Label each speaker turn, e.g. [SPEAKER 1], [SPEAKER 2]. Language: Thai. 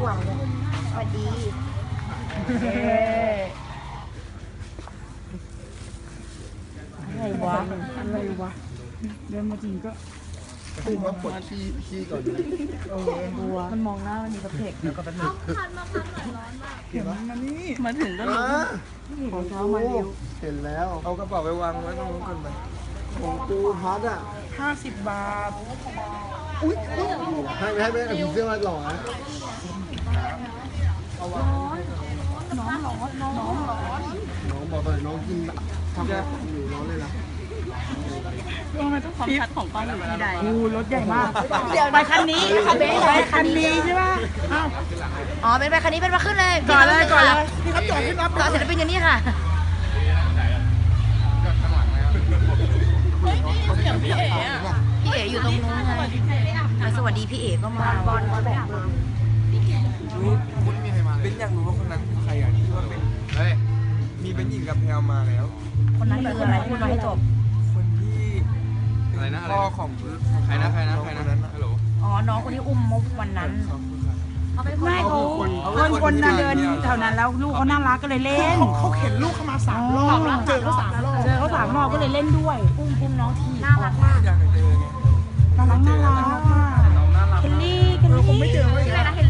[SPEAKER 1] หวังเลยสวัสดีอะไรวะ
[SPEAKER 2] เดินมาจริงก็
[SPEAKER 3] ตื่นมาปวดขี้ก่อน
[SPEAKER 2] บัวมันมองหน้ามันมีกระเพกแล้วก็เป็นหนึ่งเห็นมันนี่มาถึงก็ของเช้ามาเร็ว
[SPEAKER 3] เห็นแล้วเอากระเป๋าไปวางไว้ตรงนู้นก่อนไหมของกูฮัทอ่ะ
[SPEAKER 2] 50 บาท
[SPEAKER 3] อุ้ยให้กับผีเสื้อมาหล่อนะ
[SPEAKER 2] น้อง
[SPEAKER 3] บอกเลยน้องกินทำอยู่ร้อนเลยนะ
[SPEAKER 2] ความชัดของกล้องอยู่ที่ใดรถใหญ่มาก
[SPEAKER 1] เดี๋ยวไปคันนี้ค่ะเบสไป
[SPEAKER 2] คันนี้ใช่ป่ะ
[SPEAKER 1] อ๋อเป็นไปคันนี้เป็นมาขึ้นเลย
[SPEAKER 2] ก่อนเลยพี่ครับจอดขึ้นรับ
[SPEAKER 1] ต่อศิลปินอยู่นี่ค่ะพี่เอ๋อยู่ตรงนู้นไงสวัสดีพี่เอ๋ก็มาบอลไม่อยากมา
[SPEAKER 3] คุณมีใครมาเป็นอยากรู้ว่าคนนั้นคือใครอ่ะที่ว่าเป็นมีเป็นหญิงกับแพลมาแล้ว
[SPEAKER 1] คนนั้นคืออะไรพูดมาให้จบ
[SPEAKER 3] คนที่อะไรนะพ่อของใครนะฮัลโหล
[SPEAKER 1] อ๋อน้องคนที่อุ้มมุกวันนั้น
[SPEAKER 2] ไม่เขาคนเดินแถวนั้นแล้วลูกเขาน่ารักก็เลยเล่นเขาเข็นลูกเข้ามา3 รอบเจอเขา3 รอบก็เลยเล่นด้วย
[SPEAKER 1] อุ้มน้องทีน่ารักมาก
[SPEAKER 3] อยากเจอไง
[SPEAKER 2] น่ารักเคลลี่
[SPEAKER 3] คงไม่เจอเลย
[SPEAKER 1] ชื่ออะไรนะเคล